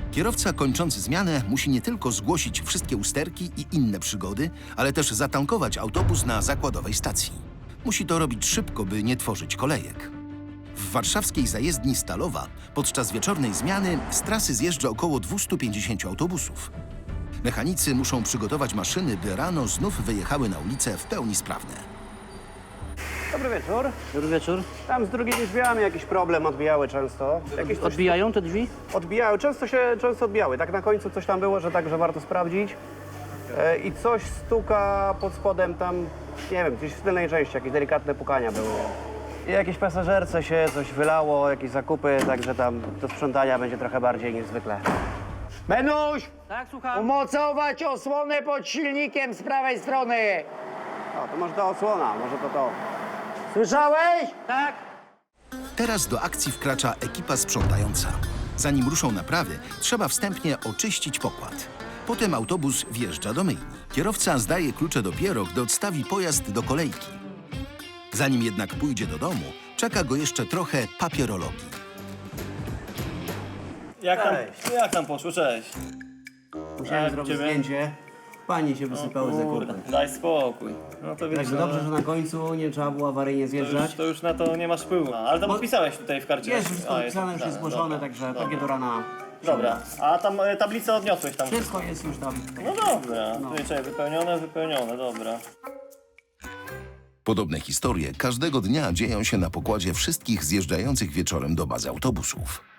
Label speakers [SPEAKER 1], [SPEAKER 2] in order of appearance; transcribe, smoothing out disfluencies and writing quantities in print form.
[SPEAKER 1] Kierowca kończący zmianę musi nie tylko zgłosić wszystkie usterki i inne przygody, ale też zatankować autobus na zakładowej stacji. Musi to robić szybko, by nie tworzyć kolejek. W warszawskiej zajezdni Stalowa podczas wieczornej zmiany z trasy zjeżdża około 250 autobusów. Mechanicy muszą przygotować maszyny, by rano znów wyjechały na ulicę w pełni sprawne.
[SPEAKER 2] Dobry wieczór.
[SPEAKER 3] Dobry wieczór.
[SPEAKER 2] Tam z drugimi drzwiami jakiś problem, odbijały często. Jakieś coś
[SPEAKER 3] Odbijają te drzwi?
[SPEAKER 2] odbijały, często odbijały. Tak na końcu coś tam było, że także warto sprawdzić. I coś stuka pod spodem tam, nie wiem, gdzieś w tylnej części, jakieś delikatne pukania były. I jakieś pasażerce się coś wylało, jakieś zakupy, także tam do sprzątania będzie trochę bardziej niż zwykle.
[SPEAKER 4] Benuś,
[SPEAKER 3] Tak, słucham.
[SPEAKER 4] umocować osłonę pod silnikiem z prawej strony.
[SPEAKER 2] O, to może ta osłona, może to.
[SPEAKER 4] Słyszałeś?
[SPEAKER 3] Tak.
[SPEAKER 1] Teraz do akcji wkracza ekipa sprzątająca. Zanim ruszą naprawy, trzeba wstępnie oczyścić pokład. Potem autobus wjeżdża do myjni. Kierowca zdaje klucze dopiero, gdy odstawi pojazd do kolejki. Zanim jednak pójdzie do domu, czeka go jeszcze trochę papierologii.
[SPEAKER 5] Jak tam poszło? Cześć.
[SPEAKER 2] Musiałem
[SPEAKER 5] Tak,
[SPEAKER 2] zrobić
[SPEAKER 5] ciebie?
[SPEAKER 2] zdjęcie. Pani się wysypały ze
[SPEAKER 5] Kurde,
[SPEAKER 2] kupy.
[SPEAKER 5] daj spokój. No to wiesz,
[SPEAKER 2] Także dobrze, że na końcu nie trzeba było awaryjnie zjeżdżać.
[SPEAKER 5] to już na to nie masz wpływu. Ale to podpisałeś tutaj w karcie.
[SPEAKER 2] Jest wszystko napisane, już jest zgłoszone,
[SPEAKER 5] dobra,
[SPEAKER 2] także
[SPEAKER 5] dobra.
[SPEAKER 2] takie do rana.
[SPEAKER 5] Dobra, a tam tablicę odniosłeś tam.
[SPEAKER 2] Wszystko jest już tam.
[SPEAKER 5] No dobra, tutaj czekaj, wypełnione, dobra.
[SPEAKER 1] Podobne historie każdego dnia dzieją się na pokładzie wszystkich zjeżdżających wieczorem do bazy autobusów.